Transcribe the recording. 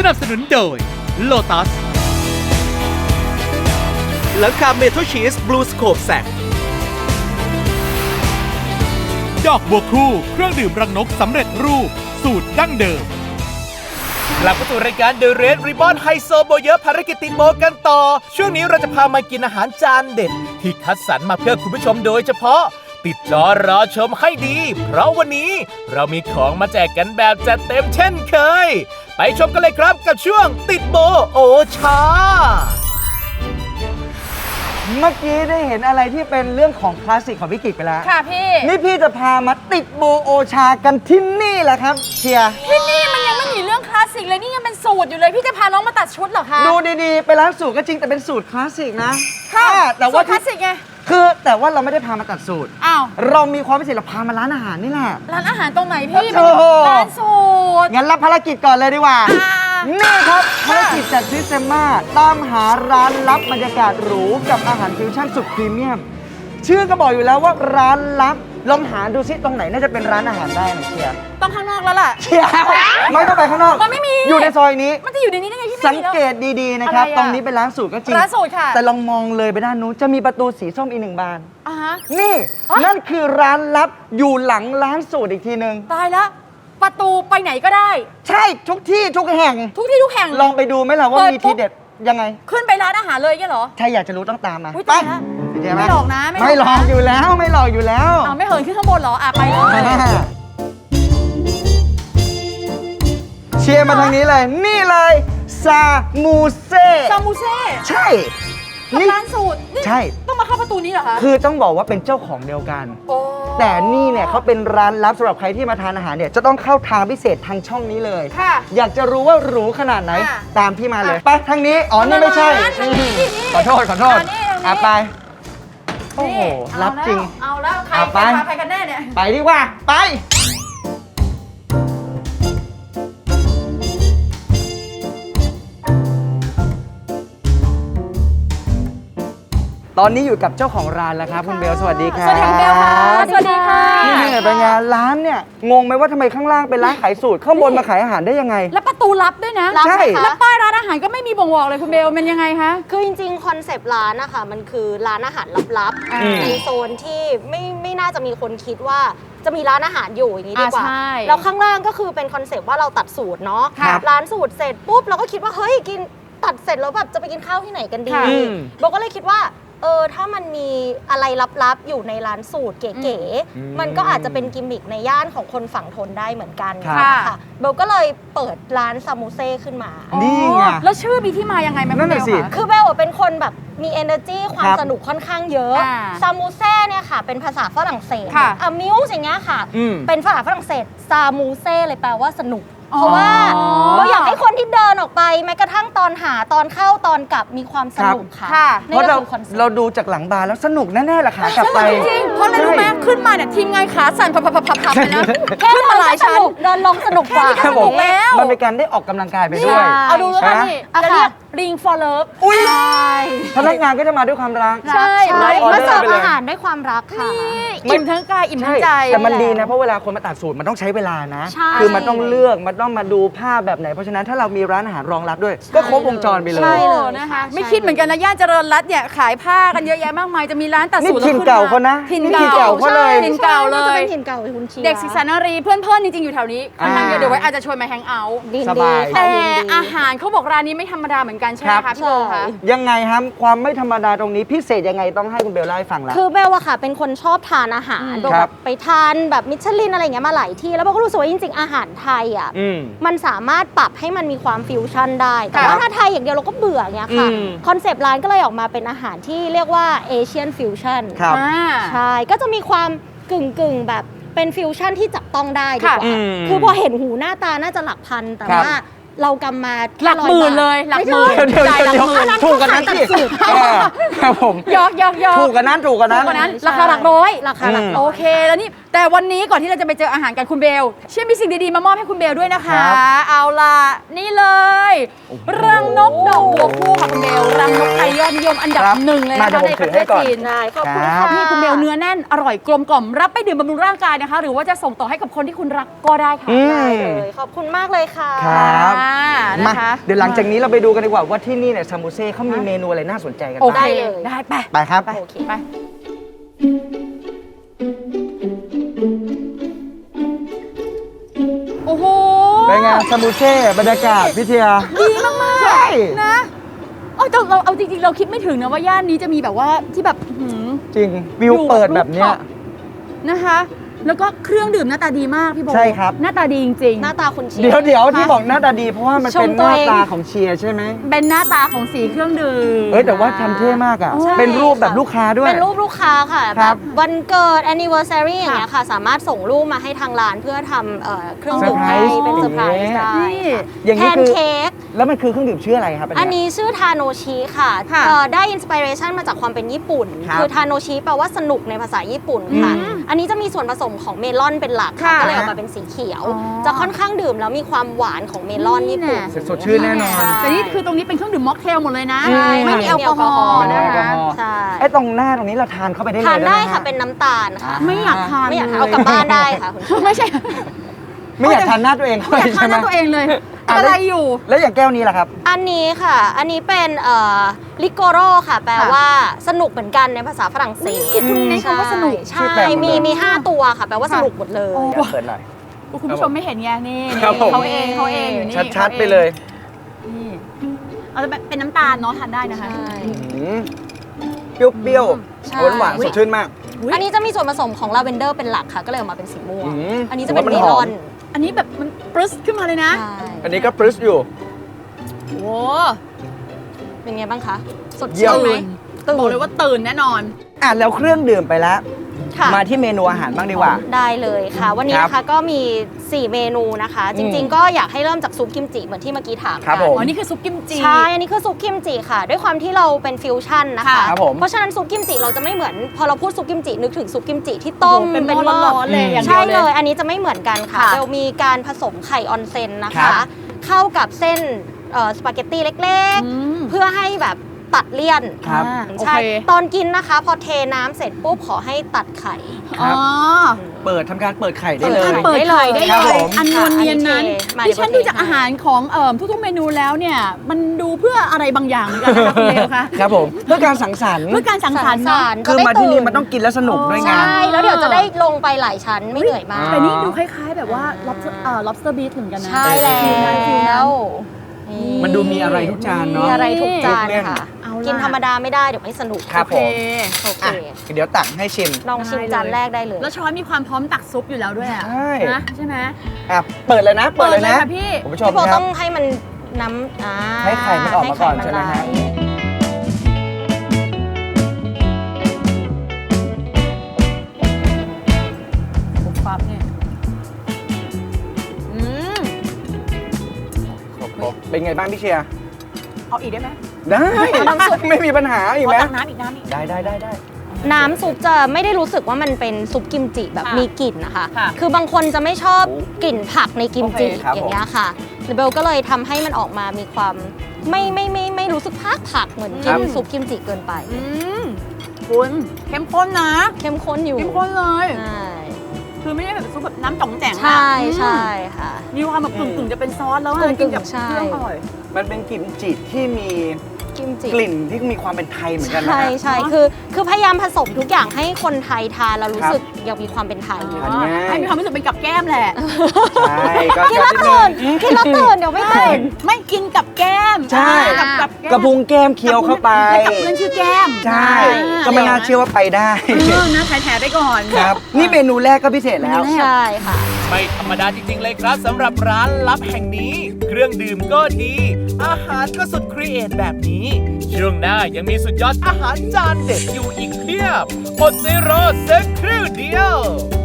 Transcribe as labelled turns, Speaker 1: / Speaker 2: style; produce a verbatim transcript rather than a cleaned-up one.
Speaker 1: นับสนุนโดย Lotus
Speaker 2: หลังคาเมทัลชีสบลูสโคปแซก
Speaker 1: ดอกบัวคู่เครื่องดื่มรังนกสำเร็จรูปสูตรดั้งเดิม
Speaker 2: กลับมาสู่รายการ The Red Ribbon ไฮโซโบเยอะภารกิจติดโมกันต่อช่วงนี้เราจะพามากินอาหารจานเด็ดที่คัดสรรมาเพื่อคุณผู้ชมโดยเฉพาะติดจอรอชมให้ดีเพราะวันนี้เรามีของมาแจกกันแบบจัดเต็มเช่นเคยไปชมกันเลยครับกับช่วงติดโบโอชา
Speaker 3: เมื่อกี้ได้เห็นอะไรที่เป็นเรื่องของคลาสสิกของพี่กิจไปแล้ว
Speaker 4: ค่ะพี่
Speaker 3: นี่พี่จะพามาติดโบโอชากันที่นี่แหละครับเชียร์
Speaker 4: ที่นี่มันยังไม่มีเรื่องคลาสสิกเลยนี่ยังเป็นสูตรอยู่เลยพี่จะพาน้องมาตัดชุดเหรอคะ
Speaker 3: ดูดีๆไปร้านสูตรก็จริงแต่เป็นสูตรคลาสสิกนะ
Speaker 4: ค่ะ
Speaker 3: แต่
Speaker 4: ว่า
Speaker 3: ว่า
Speaker 4: คลาสสิกไง
Speaker 3: คือแต่ว่าเราไม่ได้พามาตัดสูตร
Speaker 4: อ้าว
Speaker 3: เรามีความพิเศษเราพามาร้านอาหารนี่แหละ
Speaker 4: ร้านอาหารตรงไหนพี่ร้านสูตร
Speaker 3: งั้นรับภารกิจก่อนเลยดีกว่านี่ครับภารกิจจากซิสเตม่าตามหาร้านลับบรรยากาศหรูกับอาหารฟิวชั่นสุดพรีเมียมชื่อก็บอกอยู่แล้วว่าร้านลับลองหาดูซิตรงไหนน่าจะเป็นร้านอาหารได้นะเชียร์
Speaker 4: ต้องข้างนอกแล้วล่ะ
Speaker 3: เชียร์ไม่ต้องไปข้างนอก
Speaker 4: มันไม่มี
Speaker 3: อยู่ในซอยนี้
Speaker 4: มันจะอยู่ในนี้ได้ไงพี่
Speaker 3: สังเกตดีๆนะครับตรงนี้เป็นร้านสูตรก็จริง
Speaker 4: ร้านสูตรค่ะ
Speaker 3: แต่ลองมองเลยไปด้านนู้นจะมีประตูสีส้มอีกหนึ่งบาน
Speaker 4: อ่าฮะ
Speaker 3: นี่นั่นคือร้านลับอยู่หลังร้านสูตรอีกทีนึง
Speaker 4: ตายแล้วประตูไปไหนก็ได้
Speaker 3: ใช่ทุกที่ทุกแห่ง
Speaker 4: ทุกที่ทุกแห่ง
Speaker 3: ลองไปดูไหมล่ะว่ามีทีเด็ดยังไง
Speaker 4: ขึ้นไปร้านอาหารเลยงี้เหรอ
Speaker 3: ใช่อยากจะรู้ต้องตามมา
Speaker 4: ไป
Speaker 3: ไม่
Speaker 4: หลอกนะ
Speaker 3: ไม่หลอกอยู่แล้วไม่หลอกอยู่แล้ว
Speaker 4: อ้าวไม่เหินขึ้นข้างบนเหรออ่ะไปเลย
Speaker 3: เชียร์มาทางนี้เลยนี่เลยซามูเซ่
Speaker 4: ซามูเซ่
Speaker 3: ใช่
Speaker 4: นี่ร้านสูตร
Speaker 3: ใช่
Speaker 4: ต้องมาเข้าประตูนี้เหรอคะ
Speaker 3: คือต้องบอกว่าเป็นเจ้าของเดียวกัน
Speaker 4: โอ้
Speaker 3: แต่นี่เนี่ยเขาเป็นร้านลับสำหรับใครที่มาทานอาหารเนี่ยจะต้องเข้าทางพิเศษทางช่องนี้เลย
Speaker 4: ค่ะ
Speaker 3: อยากจะรู้ว่าหรูขนาดไหนตามพี่มาเลยไปทางนี้อ๋อนี่ไม่ใช่ขอโทษขอโทษอ่ะไปโอ้โหลับจริง
Speaker 4: เอาแล้วใครใครกันแน่เนี่ย
Speaker 3: ไปดีกว่าไปตอนนี้อยู่กับเจ้าของร้านแล้วครับคุณเบลสวัสดีครับ
Speaker 4: สวัสดีคุณเบลค่ะสวัสดีค่ะ
Speaker 3: นี่เป็นไงร้านเนี่ยงงไหมว่าทำไมข้างล่างเป็นร้านขายสูตรข้างบนมาขายอาหารได้ยังไง
Speaker 4: แล้วประตูลับด้วยนะ
Speaker 3: ใช่
Speaker 4: แล้วป้ายร้านอาหารก็ไม่มีบ่งบอกเลยคุณเบลมันยังไงคะ
Speaker 5: คือจริงๆคอนเซปต์ร้านนะคะมันคือร้านอาหารลับๆในโซนที่ไม่ไม่น่าจะมีคนคิดว่าจะมีร้านอาหารอยู่อย่างนี้ดีกว่าแล้วข้างล่างก็คือเป็นคอนเซปต์ว่าเราตัดสูตรเนาะร้านสูตรเสร็จปุ๊บเราก็คิดว่าเฮ้ยกินตัดเสร็จแล้วแบบจะไปกินข้าวที่ไหนกันดีโบก็เลยคิดว่าเออถ้ามันมีอะไรลับๆอยู่ในร้านสูตรเก๋ๆมันก็อาจจะเป็นกิมมิคในย่านของคนฝั่งทนได้เหมือนกันค่ะเบลก็เลยเปิดร้านซามูเซ่ขึ้นมา
Speaker 3: นี่ไง
Speaker 4: แล้วชื่อมีที่มายังไงไหม
Speaker 3: นั่นแหละสิ
Speaker 5: คือเบลเป็นคนแบบมี energy ความสนุกค่อนข้างเยอะซามูเซ่เนี่ยค่ะเป็นภาษาฝรั่งเศสอะมิวส์อย่างเงี้ยค่ะเป็นภาษาฝรั่งเศสซามูเซ่เลยแปลว่าสนุกเพราะว่าเราอยากให้คนที่เดินออกไปแม้กระทั่งตอนหาตอนเข้าตอนกลับมีความสนุกค่ะ
Speaker 3: เพราะเราเราดูจากหลังบาร์แล้วสนุกแน่ๆแหละค่ะกลับไป
Speaker 4: จริงเพราะอะไรรู้ไหมขึ้นมาเนี่ยทีมงานขาสั่นพับๆๆๆไปนะ
Speaker 5: แค่มาหลายชั้นเดินลงสนุกกว่า
Speaker 4: สนุกแล้ว
Speaker 3: มันเป็นการได้ออกกำลังกายไปด้วย
Speaker 4: เอาดูแล้วกันนี่จะเรียก Ring for Love
Speaker 3: พนักงานก็จะมาด้วยความรัก
Speaker 5: ใช่มาเสิร์ฟอาหารด้วยความรักค่ะ
Speaker 4: อิ่มทั้งกายอิ่มทั้งใจ
Speaker 3: แต่มันดีนะเพราะเวลาคนมาตัดสูตรมันต้องใช้เวลานะคือมันต้องเลือกมันต้องมาดูภาพแบบไหนเพราะฉะนั้นถ้าเรามีร้านอาหารรองรับด้วยก็ครบวงจรไปเลย
Speaker 4: ใช่เลยนะคะไม่คิดเหมือนกันนะย่านเจริญรัตน์เนี่ยขายผ้ากันเยอะแยะมากมายจะมีร้านตัดสูตร
Speaker 3: ถิ่นเก่าเขานะ
Speaker 4: ถิ่นเก่า
Speaker 3: เขาเลย
Speaker 4: ถิ่นเก่าเลย
Speaker 5: ถิ่นเก่าคุณเชียร์
Speaker 4: เด็กศึกษานารีเพื่อนๆจริงๆอยู่แถวนี้ค่อนข้างเยอะเดี๋ยวไว้อาจจะชวนมาแฮงเอาท์
Speaker 3: สบาย
Speaker 4: แต่อาหารเขาบอกร้านนี้ไม่ธรรมดาเหมือนกันใช่ไหมคะพี่โบคะ
Speaker 3: ยังไงครับความไม่ธรรมดาตรงนี้พิเศษยังไงต้องให้คุณเบลเล่าให้ฟังละ
Speaker 5: คือเบลอะค่ะเป็นคนชอบทานอาหารแบบไปทานแบบมิชลินอะไรเงี้ยมาหลายที่แล้วเบลก็รู้สึกว่าจริงๆอาหารไทยอ่ะมันสามารถปรับให้มันมีความฟิวชั่นได้แต่ว่าถ้าไทยอย่างเดียวเราก็เบื่อเงี้ยค่ะคอนเซปต์ร้านก็เลยออกมาเป็นอาหารที่เรียกว่าเอเชียนฟิวชั่นใช่ก็จะมีความกึ่งๆแบบเป็นฟิวชั่นที่จับต้องได้ดีกว่าคือพอเห็นหูหน้าตาน่าจะหลักพันแต่ว่าเรากำมา
Speaker 4: หลักหมื่นเลยหลักหมื่น
Speaker 3: เดี๋ยวเดี๋ยวถูกกันนั้นสิครับผม
Speaker 4: ยอกยอกยอก
Speaker 3: ถูกกันนั้นถูกกันนั้น
Speaker 4: ราคาหลักร้อย
Speaker 5: ราคาหลัก
Speaker 4: โอเคแล้วนี่แต่วันนี้ก่อนที่เราจะไปเจออาหารกันคุณเบลเชื่อมีสิ่งดีๆมามอบให้คุณเบลด้วยนะคะ
Speaker 3: ครับ
Speaker 4: เอาล่ะนี่เลยรังนกดอกบัวคู่ค่ะคุณเบลรังนกไทยยอดนิยมอันดับ
Speaker 3: ครับ
Speaker 4: หนึ่งเลย
Speaker 3: มา
Speaker 4: นะ
Speaker 3: เดี๋ย
Speaker 4: คะ
Speaker 3: วผม
Speaker 4: ในป
Speaker 3: ถื
Speaker 4: ระ
Speaker 3: อ
Speaker 4: เท
Speaker 3: ให้
Speaker 4: ศ
Speaker 3: ก่อน
Speaker 4: จีน
Speaker 5: ได้ขอบคุณ
Speaker 3: ครับ
Speaker 5: ค่ะ
Speaker 4: นี่คุณเบลเนื้อแน่นอร่อยกลมกล่อมรับไปดื่มบำรุงร่างกายนะคะ หรือว่าจะส่งต่อให้กับคนที่คุณรักก็ได้ค่ะ
Speaker 3: อืม
Speaker 5: ได้เลยขอบคุณมากเลยค่ะ
Speaker 3: ครับ
Speaker 4: อ่า
Speaker 3: มา
Speaker 4: นะคะ
Speaker 3: เดี๋ยวหลังจากนี้เราไปดูกันดีกว่าว่าที่นี่เนี่ยซามูเซ่เขามีเมนูอะไรน่าสนใจกัน
Speaker 4: โอ
Speaker 3: บ้าง
Speaker 4: เค
Speaker 5: ได้เลย
Speaker 4: ได้ไป
Speaker 3: ไปครับ
Speaker 4: ไป
Speaker 5: โอเค
Speaker 4: ไปโอ้โห
Speaker 3: เป็นไงซามูเซ่บรรยากาศพิทยา
Speaker 4: ดีมากๆ
Speaker 3: ใช่
Speaker 4: นะเอาแต่เราเอาจริงๆ เราคิดไม่ถึงนะว่าย่านนี้จะมีแบบว่าที่แบบหืม
Speaker 3: จริงวิวเปิดแบบเนี้ย
Speaker 4: นะคะ แล้วก็เครื่องดื่มหน้าตาดีมากพี่โบ
Speaker 3: ใช่ครับ
Speaker 4: หน้าตาดีจริง
Speaker 5: หน้าตาคุณเชีย
Speaker 3: เดี๋ยว
Speaker 5: ร์
Speaker 3: เดี๋ยวที่บอกหน้าตาดีเพราะว่ามัน
Speaker 5: ช
Speaker 3: เป็
Speaker 5: ม
Speaker 3: นห
Speaker 5: ตัว
Speaker 3: น้า
Speaker 5: เอง
Speaker 3: ตาของเชียร์ใช่ไหม
Speaker 4: เป็นหน้าตาของสีเครื่องดื่ม
Speaker 3: เอ้ยแต่ว่าทำเท่มากอ่ะ
Speaker 4: ใช่
Speaker 3: เป็นรูปแบบลูกค้าด้วย
Speaker 5: เป็นรูปลูกค้าค่ะ
Speaker 3: ค
Speaker 5: แบ
Speaker 3: รับบ
Speaker 5: วันเกิด anniversary อย่างเงี้ยค่ะ สามารถส่งรูปมาให้ทางร้านเพื่อทำเอ่อเครื่องดื่มให้
Speaker 3: เซอร์ไพรส์
Speaker 5: เป็นเซอร์ไพรส์
Speaker 3: อย่างเงี้ย
Speaker 5: ได้
Speaker 4: นี่
Speaker 5: ค่ะ
Speaker 3: อย่าง
Speaker 5: แพ
Speaker 3: นี้
Speaker 5: น
Speaker 3: คือ
Speaker 5: เค้ก
Speaker 3: แล้วมันคือเครื่องดื่มชื่ออะไรครับ
Speaker 5: อันนี้ชื่อทาโนชิค่ะ
Speaker 4: ค่ะ
Speaker 5: เอ่อได้อินสปิเรชันมาจากความเป็นญี่ปุ่น
Speaker 3: ครับ
Speaker 5: คือทาโนชิแปลว่าสนุกในภาษาญี่ปุ่นค่ะ
Speaker 3: อืม
Speaker 5: อันนี้จะมีส่วนผสมของเมลอนเป็นหลักค่ะ
Speaker 4: ค่ะ
Speaker 5: ก็เลยออกมาเป็นสีเขียว
Speaker 4: อ๋อ
Speaker 5: จะค่อนข้างดื่มแล้วมีความหวานของเมลอนญี่ปุ่น
Speaker 3: สดชื่นแน่นอน
Speaker 5: ใช่
Speaker 4: แต่นี่คือตรงนี้เป็นเครื่องดื่มม็อกเทลหมดเลยนะ
Speaker 3: ใช่
Speaker 4: ไม่มีแอลกอฮอล์
Speaker 3: ไม่มี
Speaker 4: นะ
Speaker 3: แอลกอ
Speaker 4: คะ
Speaker 3: ฮอล์
Speaker 5: ใช่
Speaker 3: ไอ้ตรงหน้าตรงนี้เราทานเข้าไปได้เลย
Speaker 5: ทานได้
Speaker 3: หม
Speaker 5: ค่ะ
Speaker 3: ฮ
Speaker 5: เป็นน้ำตาลค่ะ
Speaker 4: ไม่อยากทาน
Speaker 5: ไม่อยากทาน
Speaker 4: ล
Speaker 5: เอากลับบ้านได้ค่ะคุณผู้ชม
Speaker 4: ไม่ใช่
Speaker 3: ไม่อยากทานหน้าตัวเองเข้า
Speaker 4: ไม่
Speaker 3: ไป
Speaker 4: อยากทาน
Speaker 3: ใช่ไห
Speaker 4: ห
Speaker 3: ม
Speaker 4: น้าตัวเองเลย
Speaker 3: อ่ะ
Speaker 4: อะไรอยู่
Speaker 3: แล้วอย่างแก้วนี้ล่ะครับ
Speaker 5: อันนี้ค่ะ อันนี้เป็นเอ่อลิโกโรค่ะ แปล
Speaker 4: ค่ะ
Speaker 5: ว่าสนุกเหมือนกันในภาษาฝรั่งเศส
Speaker 4: คือคุณเน้นคำว่าสนุก
Speaker 5: ใช่
Speaker 3: ชื่อแปลกหมดเลย
Speaker 5: มีมีห้าตัวค่ะ แปลว่า
Speaker 4: ค่ะ
Speaker 5: สนุกหมดเลย
Speaker 4: โอ้
Speaker 3: เดี๋ยวเปิดหน่อย
Speaker 4: คุณผู้ชมไม่เห็นไงนี่
Speaker 3: ครับผม
Speaker 4: เขาเองเขาเองอยู่นี่
Speaker 3: ชัดๆ
Speaker 4: ขาอง
Speaker 3: ไปเลย
Speaker 4: นี่เอาจะเป็นน้ำตาลเนาะทานได้นะคะ
Speaker 5: ใช่
Speaker 3: อืมเปรี้ยว
Speaker 5: ใช่
Speaker 3: ๆหวานๆสดชื่นมาก
Speaker 4: อุ๊ย
Speaker 5: อันนี้จะมีส่วนผสมของลาเวนเดอร์เป็นหลักค่ะ ก็เลยออกมาเป็นสีม่วง
Speaker 3: อืม
Speaker 5: อันนี้จะเป็น
Speaker 3: ผม
Speaker 5: เม
Speaker 3: ว่ามันห
Speaker 5: ล
Speaker 3: อม
Speaker 5: อน
Speaker 4: อันนี้แบบมันปรึ๊สขึ้นมาเลยนะ
Speaker 5: ใช่
Speaker 3: อันนี้ก็ปรึ๊สอยู่
Speaker 4: โอ้
Speaker 5: เป็นไงบ้างคะ สด
Speaker 3: เยี่ย
Speaker 5: ชื่
Speaker 3: ม
Speaker 5: นไหม
Speaker 4: ตื่นบอกเลยว่าตื่นแน่นอน
Speaker 3: อ่ะแล้วเครื่องดื่มไปแล้ว
Speaker 5: ค่ะ
Speaker 3: มาที่เมนูอาหารบ้างดีกว่า
Speaker 5: ได้เลยค่ะ วันนี้
Speaker 3: ครับ
Speaker 5: นะคะก็มี สี่ เมนูนะคะ จริง ๆ ก็อยากให้เริ่มจากซุปกิมจิเหมือนที่เมื่อกี้ถาม
Speaker 3: ครับ
Speaker 5: กั
Speaker 3: ผม
Speaker 4: อ๋อ นี่คือซุปกิมจิ
Speaker 5: ใช่ อันนี้คือซุปกิมจิค่ะ ด้วยความที่เราเป็นฟิวชั่นนะคะ
Speaker 4: ค่ะ
Speaker 3: ครับผม
Speaker 5: เพราะฉะนั้นซุปกิมจิเราจะไม่เหมือนพอเราพูดซุปกิมจินึกถึงซุปกิมจิที่ต้ม
Speaker 4: โอ้โหเป็นหม้อร้อนๆเลยอย่างเดี
Speaker 5: ใช่
Speaker 4: ยวเลย
Speaker 5: เลย อันนี้จะไม่เหมือนกันค่ะ
Speaker 4: ค่ะ
Speaker 5: เรามีการผสมไข่ออนเซนนะ
Speaker 3: ครั
Speaker 5: คะ
Speaker 3: บ
Speaker 5: เข้ากับเส้นเอ่อสปาเกตตี้เล็ก
Speaker 4: อืม
Speaker 5: ๆ เพื่อให้แบบตัดเลี่ยน
Speaker 3: ครับ
Speaker 4: อ่าโอ
Speaker 5: ใช่
Speaker 4: เค
Speaker 5: ตอนกินนะคะ พอเทน้ำเสร็จปุ๊บขอให้ตัดไข่
Speaker 3: ครับ
Speaker 4: อ๋อ
Speaker 3: เปิดทำการเปิดไข่ได้เลย
Speaker 4: เปิดไข่ได้
Speaker 3: ครับ
Speaker 4: เล
Speaker 3: ผ
Speaker 4: ย
Speaker 3: ม
Speaker 4: อันนวลเนียนนั้น
Speaker 5: มา
Speaker 4: ดิฉัน
Speaker 5: เดี๋ยว
Speaker 4: ดูจากอาหารของเอ่อทุกๆเมนูแล้วเนี่ย มันดูเพื่ออะไรบางอย่างเหมือนกันนะคะคุณเลวคะ
Speaker 3: ครับผมเพื่อการสังสรรค์
Speaker 4: เพื่อการสังสรรค์
Speaker 5: สั
Speaker 4: เนาะ
Speaker 5: งสรรค์
Speaker 3: คือมาที่นี่มัน
Speaker 5: จะได้
Speaker 3: ต้องกินแล้วสนุกด้วยไง
Speaker 5: ใช่ แล้วเดี๋ยวจะได้ลงไปหลายชั้นไม่เหนื่อยมาก
Speaker 4: แต่นี่ดูคล้ายๆแบบว่า lobster เอ่อ lobster beef เหมือนกันนะ
Speaker 5: ใช่แล้
Speaker 4: ฟิลนั้นฟิลนั้น
Speaker 5: ว
Speaker 3: มันดูมีอะไรทุกจานเนาะ
Speaker 5: มีอะไรทุกจานค่ะ
Speaker 4: เอาล่ะ
Speaker 5: กินธรรมดาไม่ได้เดี๋ยวไม่สนุก
Speaker 3: ครับ
Speaker 4: โอ
Speaker 3: ผ
Speaker 4: เค
Speaker 3: ม
Speaker 5: โอเค
Speaker 3: อ่ะเดี๋ยวตักให้ชิม
Speaker 5: ลองชิมจานแรกได้เลย
Speaker 4: แล้วช้อนมีความพร้อมตักซุปอยู่แล้วด้วยอะ
Speaker 3: ใช่
Speaker 4: นะใช่ไหม
Speaker 3: อ่ะเปิดเลยนะ เปิดเลยนะ
Speaker 4: ค่ะพี่
Speaker 3: คุณผู้ชม
Speaker 5: พี่โบ
Speaker 3: ครั
Speaker 5: ต้
Speaker 3: บ
Speaker 5: องให้มันน้ำอ่า
Speaker 3: ให้ไข่มันออกมาก่อนใช่ไหมฮะ
Speaker 5: ให้ข่นลาย
Speaker 4: ปุ๊บปั๊บเนี่ยอืม
Speaker 3: เป็นไงบ้างพี่เชียร์
Speaker 4: เอาอีกได้ไหม
Speaker 3: ได้ ไม่มีปัญหาอีก
Speaker 4: ขอ
Speaker 3: ไหม
Speaker 4: ตักน้ำอีกน้ำอีก
Speaker 3: ได้ได้ได้ได้
Speaker 5: น้ำซุปจะไม่ได้รู้สึกว่ามันเป็นซุปกิมจิแบบ
Speaker 4: ค่ะ
Speaker 5: มีกลิ่นนะคะ
Speaker 4: ค่ะ
Speaker 5: คือบางคนจะไม่ชอบกลิ่นผักในกิมจิ
Speaker 3: โอเคครับ
Speaker 5: อย่างเงี้ยค่ะเบลก็เลยทำให้มันออกมามีความไม่ไม่ไม่ไม่รู้สึกผักผักเหมือนกินซุปกิมจิเกินไป
Speaker 4: อืมคุณเข้มข้นนะ
Speaker 5: เข้มข้นอยู่
Speaker 4: เข้มข้นเลย
Speaker 5: ใช่
Speaker 4: คือไม่ได้แบบซุปแบบน้ำจ่องแจ๋งอะ
Speaker 5: ใช่
Speaker 4: อืม
Speaker 5: ใช่ค่ะ
Speaker 4: มีความแบบกึ่งกึ่งๆจะเป็นซอสแล้วอะ
Speaker 5: กึ่งๆ
Speaker 4: กินกับ
Speaker 5: ใช่
Speaker 4: เครื่องอร่อย
Speaker 3: มันเป็นกลิ่นจิตที่มี
Speaker 5: กิมจิ
Speaker 3: กลิ่นที่มีความเป็นไทยเหมือนกันนะ
Speaker 5: ใช่
Speaker 3: ฮะ
Speaker 5: ใช่คือคือพยายามผสมทุกอย่างให้คนไทยทานแล้วรู้สึกยังมีความเป็นไทยอยู่
Speaker 3: ทานง่าย
Speaker 4: ให้มีความรู้สึกเป็นกับแก้มแหละ
Speaker 3: ใช่ก็
Speaker 5: กินแล้วตื่นกินแล้วตื่นเดี๋ยวไม่ตื่น
Speaker 4: ไม่กินกับแก้ม
Speaker 3: ใช่
Speaker 4: กับกับแก้ม
Speaker 3: กระพุ้งแก้มเคี้ยวเข้าไป
Speaker 4: กับเพื่อนชื่อแก้ม
Speaker 3: ใช่ ก็ไม่น่าเชื่อว่าไปได้
Speaker 4: เออนะแถๆไปก่อน
Speaker 3: ครับ นี่เมนูแรกก็พิเศษแล้ว
Speaker 5: ใช่ค่ะ
Speaker 2: ไม่ธรรมดาจริง ๆ เลยครับสำหรับร้านลับแห่งนี้ เครื่องดื่มก็ดี อาหารก็สุดครีเอทแบบนี้ ช่วงหน้ายังมีสุดยอดอาหารจานเด็ดอยู่อีกเพียบอดใจรอสักครู่เดียว